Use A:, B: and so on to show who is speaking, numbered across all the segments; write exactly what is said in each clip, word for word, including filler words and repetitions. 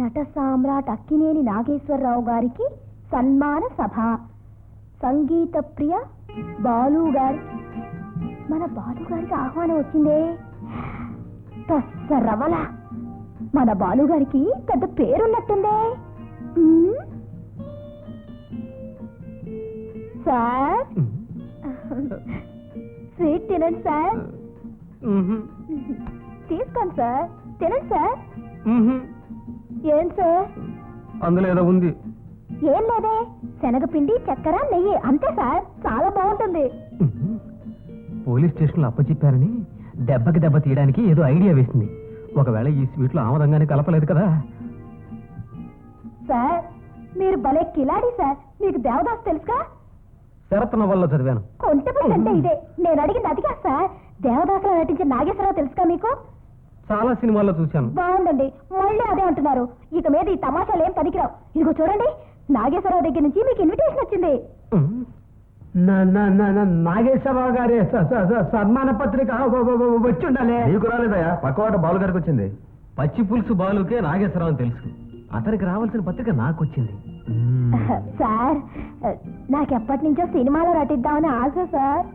A: నట సామ్రాట్ అక్కినేని నాగేశ్వరరావు గారికి సన్మాన సభ. సంగీత ప్రియ బాలు గారి, మన బాలు గారికి ఆహ్వానం వచ్చిందే. రవల మన బాలు గారికి పెద్ద పేరున్నట్టుందే. సార్ స్వీట్ తినండి సార్. తీసుకోండి సార్, తినండి సార్. ఏం సార్
B: అందులో ఏదో ఉంది?
A: ఏం లేదే, శనగపిండి చక్కెర నెయ్యి అంతే సార్, చాలా బాగుంటుంది.
B: పోలీస్ స్టేషన్లో అప్పచెప్పారని దెబ్బకి దెబ్బ తీయడానికి ఏదో ఐడియా వేసింది. ఒకవేళ ఈ స్వీట్లో ఆమదంగానే కలపలేదు కదా.
A: సార్ మీరు భలే కిలాడి సార్. మీకు దేవదాస్ తెలుసుగా?
B: శరత్ నవల్లో చదివాను.
A: కొంటెపల్లి అంటే ఇదే. నేను అడిగింది అదిగా సార్. దేవదాసులో నటించిన నాగేశ్వరరావు తెలుసుగా మీకు?
B: చాలా సినిమాల్లో చూశాను.
A: బాగుందండి, మళ్ళీ అదే అంటున్నారు. ఇక మీద ఈ తమాషాలు ఏం పనికిరావు. ఇదిగో చూడండి, నాగేశ్వరరావు దగ్గర నుంచి మీకు ఇన్విటేషన్ వచ్చింది.
B: నాగేశ్వరరావు గారి సన్మాన పత్రిక వచ్చి ఉండాలి.
C: నీకు రాలేదయా? పక్కవాట బాలు గారికి వచ్చింది.
B: పచ్చి పులుసు బాలుకే నాగేశ్వరరావు అని తెలుసు, అతనికి రావాల్సిన పత్రిక నాకు వచ్చింది.
A: సార్ నాకెప్పటి నుంచో సినిమాలో నటిద్దామని ఆశ సార్.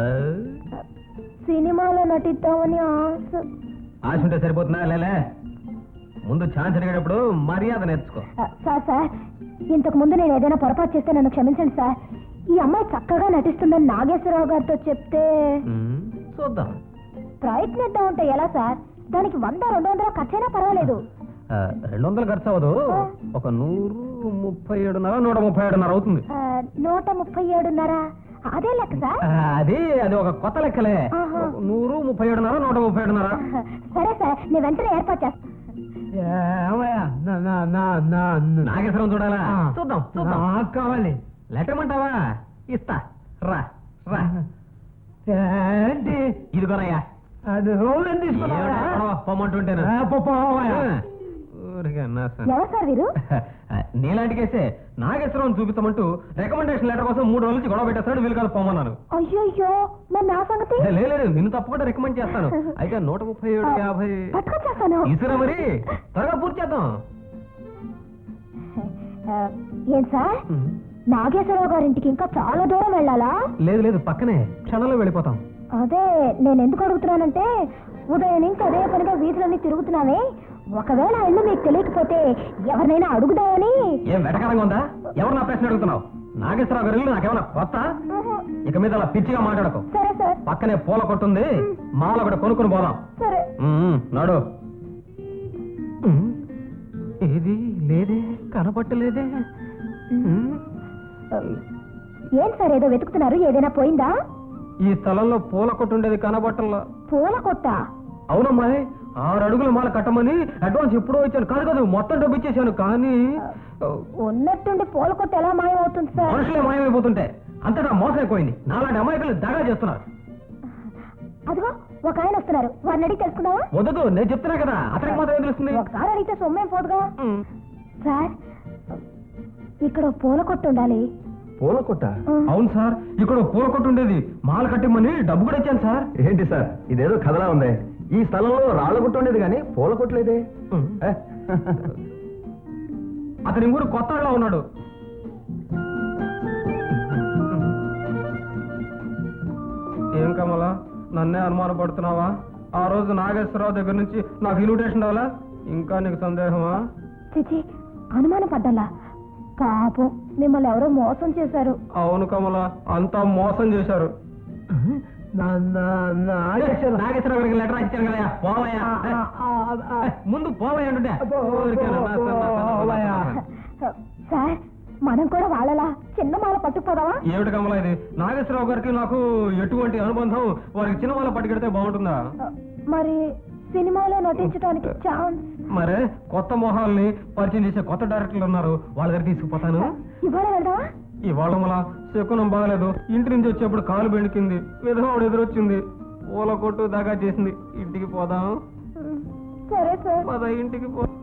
A: సినిమాలో నటిద్దామని ఆశ.
B: ఆశ ఉంటే సరిపోతుందా? లేలే, ముందు ఛాన్స్ అడిగేటప్పుడు మర్యాద నేర్చుకో.
A: సార్ సార్ ఇంతకు ముందు నేను ఏదైనా పొరపాటు చేస్తే నన్ను క్షమించండి సార్. ఈ అమ్మాయి చక్కగా నటిస్తుందని నాగేశ్వరరావు గారితో చెప్తే
B: చూద్దాం.
A: ప్రయత్నిద్దాం అంటే ఎలా సార్? దానికి వంద రెండు వందల ఖర్చైనా పర్వాలేదు.
B: రెండు వందలు ఖర్చు అవ్వదు, ఒక నూరు ముప్పై ఏడున్నర నూట ముప్పై ఏడున్నర అవుతుంది.
A: నూట ముప్పై ఏడున్నర అదే లెక్క సార్?
B: అది అది ఒక కొత్త లెక్కలే. నూరు ముప్పై ఏడున్నర నూట ముప్పై ఏడున్నర.
A: సరే సార్, నేను వెంటనే ఏర్పాటు చేస్తాను.
B: నాగేశ్వరం చూడాలా? చూద్దాం చూద్దాం. కావాలి లెటర్ అంటావా? ఇస్తా, రా రా. ఇదిగోనయ్యా. అది పొమ్మంటుంటేనా?
A: ఎవరు సార్ వీరు?
B: నీలాంటి కేసే నాగేశ్వరం చూపిస్తామంటూ రికమెండేషన్ లెటర్ కోసం మూడు రోజుల నుంచి గొడవ పెట్టేస్తాడు. వీళ్ళు కాదు పొమ్మన్నాను.
A: అయ్యో అయ్యో, మరి నా సంగతి?
B: లేదు, నిన్ను తప్పకుండా రికమెండ్ చేస్తాను. అయితే నూట ముప్పై ఏడు యాభై ఇసురా, మరి త్వరగా పూర్తి చేద్దాం.
A: ఏం సార్, నాగేశ్వరరావు గారింటికి ఇంకా చాలా దూరం వెళ్ళాలా?
B: లేదు లేదు, పక్కనే, క్షణంలో వెళ్ళిపోతాం.
A: అదే నేను ఎందుకు అడుగుతున్నానంటే, ఉదయం నుంచి అదే పనిగా వీధులన్నీ తిరుగుతున్నామే. ఒకవేళ ఇల్లు మీకు తెలియకపోతే ఎవరినైనా అడుగుదామని.
B: ఏం వెటకారంగా ఉందా? ఎవరు నా ప్రశ్న అడుగుతున్నావు? నాగేశ్వరరావు గారి ఇల్లు నాకేమన్నా కొత్త? ఇక మీద అలా పిచ్చిగా మాట్లాడకు.
A: సరే సార్.
B: పక్కనే పూల కొట్టుంది, మాల కూడా కొనుక్కుని పోదాం.
A: సరే
B: నాడు. ఏది లేదే, కనపట్టలేదే.
A: ఏం సార్ ఏదో వెతుకుతున్నారు? ఏదైనా పోయిందా?
B: ఈ స్థలంలో పూల కొట్టు ఉండేది, కనబట్టంలా.
A: పూల కొట్ట?
B: అవునమ్మా, ఆరు అడుగుల మాల కట్టమని అడ్వాన్స్ ఎప్పుడో ఇచ్చాను. కాదు కాదు, మొత్తం డబ్బు ఇచ్చేసాను. కానీ
A: ఉన్నట్టుండి పూల కొట్టు ఎలా మాయమవుతుంది సార్?
B: మనుషులే మాయమైపోతుంటే అంతటా మోసం అయిపోయింది. నాలాంటి అమాయకులు దగా చేస్తున్నారు.
A: అదిగో ఒక ఆయన వస్తున్నారు, వారిని అడిగి తెలుసుకుందావా?
B: వద్దు, నేను చెప్తున్నా కదా, అతనికి మాత్రం తెలుస్తుంది.
A: ఒకసారి అడిగితే సొమ్మేం పోదుగా. సార్ ఇక్కడ పూల కొట్టు ఉండాలి.
C: పూల కొట్ట?
B: అవును సార్, ఇక్కడ పూల కొట్టు ఉండేది. మాల కట్టిమ్మని డబ్బు కూడా ఇచ్చాను సార్.
C: ఏంటి సార్, ఇదేదో కథలా ఉంది. ఈ స్థలంలో రాళ్ళ కొట్టు ఉండేది కానీ పూల కొట్టలేదే.
B: అతని ఊరు కొత్తలో ఉన్నాడు. ఏం కమలా, నన్నే అనుమానపడుతున్నావా? ఆ రోజు నాగేశ్వరరావు దగ్గర నుంచి నాకు ఇన్విటేషన్ రావాలా? ఇంకా నీకు సందేహమా?
A: చిచి, అనుమానం పడ్డాలా? పాపం, మిమ్మల్ని ఎవరో మోసం చేశారు.
B: అవును కమలా, అంతా మోసం చేశారు. నాగేశ్వరరావు గారికి లెటర్ ఇచ్చాను కదా, పోవయ్యా. ముందు పోవయ్యా అంటే.
A: సార్ మనం కూడా వాళ్ళలా చిన్న మాల పట్టుకుపోదావా?
B: ఏమిటి కమలా ఇది? నాగేశ్వరరావు గారికి నాకు ఎటువంటి అనుబంధం? వారికి చిన్న మాల పట్టుకెడితే బాగుంటుందా?
A: మరి సినిమాలో నటించడానికి ఛాన్స్?
B: మరే కొత్త మొహాల్ని పరిచయం చేసే కొత్త డైరెక్టర్లు ఉన్నారు, వాళ్ళ దగ్గర తీసుకుపోతాను.
A: ఇవాళ వెళ్దామా?
B: ఇవాళ మళ్ళా శకునం బాగలేదు. ఇంటి నుంచి వచ్చేప్పుడు కాలు బెణికింది, విధవాడు ఎదురొచ్చింది, పూల కొట్టు దాకా చేసింది. ఇంటికి పోదాం.
A: సరే సార్,
B: పద ఇంటికి పో.